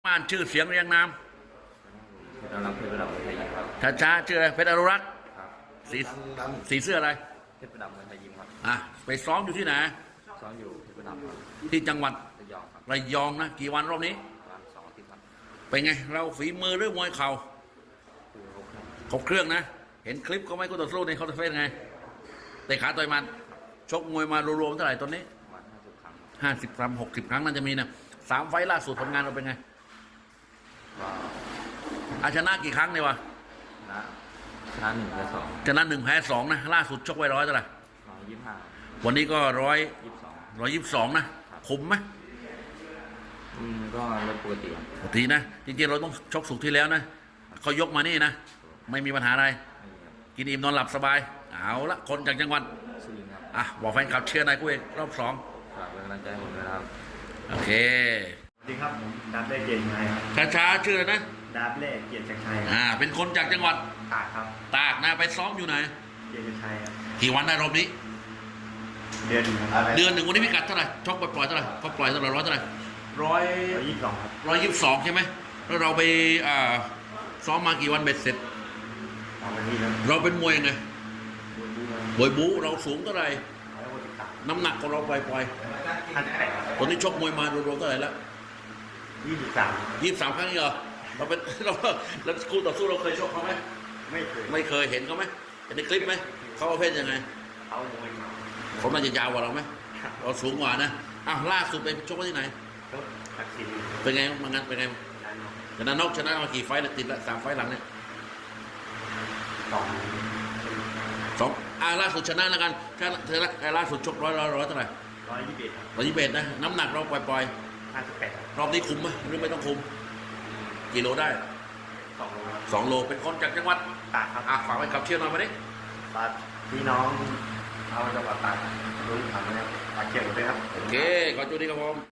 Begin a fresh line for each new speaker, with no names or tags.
บ้านชื่อเสียงเรียงนาม
เรารับเพชรประดับเมืองไทยยิมครับ
ช้าชื่ออะไรเพชรอนุรักษ์
ครับ
สีเสื้ออะไร
เพชรประดับเมืองไทยยิมครับ
ไปซ้อมอยู่ที่ไหน
ซ้อมอยู่เพชรประดับครับ
ที่จังหวัด
ระยองครับ
ระยองนะกี่วันรอบนี้
ประมาณ2 อาทิตย์ครับ
เป็นไงเราฝีมือหรือมวยเข่า
คือโอเค
ครบเครื่องนะ เห็นคลิปเขาไหมกูต่อสู้ในเขาจะเป็นไงเตะขาต่อยมันชกมวยมารวมๆเท่าไหร่ตอนนี้
ประมาณ50 ครั้ง
50 ครั้ง60 ครั้งน่าจะมีนะ3 ไฟล์ล่าสุดผลงานเราเป็นไง
ก็
ชนะกี่ครั้งเนี่ยวะ
ชนะ1 และ 2
ชนะ1 แพ้ 2นะล่าสุดชกไว้100เท่าไหร่
125
วันนี้ก็
22
122นะคุมไหม
ก็ลดปกติครับ
ปกตินะจริงๆเราต้องชกสุกที่แล้วนะเขายกมานี่นะไม่มีปัญหาอะไร
ไม่มีครับ
กินอิ่มนอนหลับสบายเอาละคนจากจังหวัด
สุรินทร์ครับ
บอกแฟนคลับเชียร์นายกูเองรอบ
ฝากเป็นกำลังใจให้ผมด้วยนะครับ
2โอเค
สวัสดีครับผมดาบเล่เกียรติชัยครับ
ช้าๆชื่ออะไรนะ
ดาบเล่เกียรติชัยครับ
เป็นคนจากจังหวัด
ตากครับ
ตากนะไปซ้อมอยู่ไหน
เกียรติชัยครับ
กี่วันได้รอบนี้
เดือนหนึ่งครับ
เดือนหนึ่งวันนี้พิกัดเท่าไหร่ชกปล่อยๆเท่าไหร่เขาปล่อยเท่าไหร่ร้อยเท่าไหร่ร้อย
122ครับ
122ใช่ไหมแล้วเราไปซ้อมมากี่วันเบ็ดเสร็จ
ตอนนี้ครับ
เราเป็นมวยยังไง
บุญดูครับ
มวยบู๊เราสูงเท่าไหร่
163
น้ำหนักของเราปล่อย
58
ๆตอนนี้ชกมวยมารวมๆเท่าไหร่แล้ว
23
23 ครั้งนี่เหรอเราเป็น แล้วคู่ต่อสู้เราเคยชกเขาไหม
ไม่เคย
ไม่เคยเห็นเขาไหมเห็นในคลิปไหมเขาประเภทยังไง
เอามวย
เขาน่าจะยาวกว่าเราไหมเราสูงกว่านะล่าสุดไปชกที่ไหน
ก็ทักษิณ
เป็นไงมางานเป็นไง
ด้านนอก
ชนะมากี่ไฟต์แล้วติดละ3 ไฟต์หลังเนี่ย
2
2ล่าสุดชนะแล้วกันถ้าล่าสุดชกร้อยเท่าไหร่
121ครับ
121นะน้ำหนักเราปล่อย
58ครับ
ๆรอบนี้คุมไหมหรือไม่ต้องคุมกี่โลได้
2 โลครับ
2 โลเป็นคนจากจังหวัด
ตากครับ
ฝากไว้กับเชียร์หน่อยมาดิ
ฝากพี่น้องเอาจังหวัดตากรู้ทำนะครับฝากเชียร์ผมด้วยครับ
โอเคขอจุดนี้ครับผม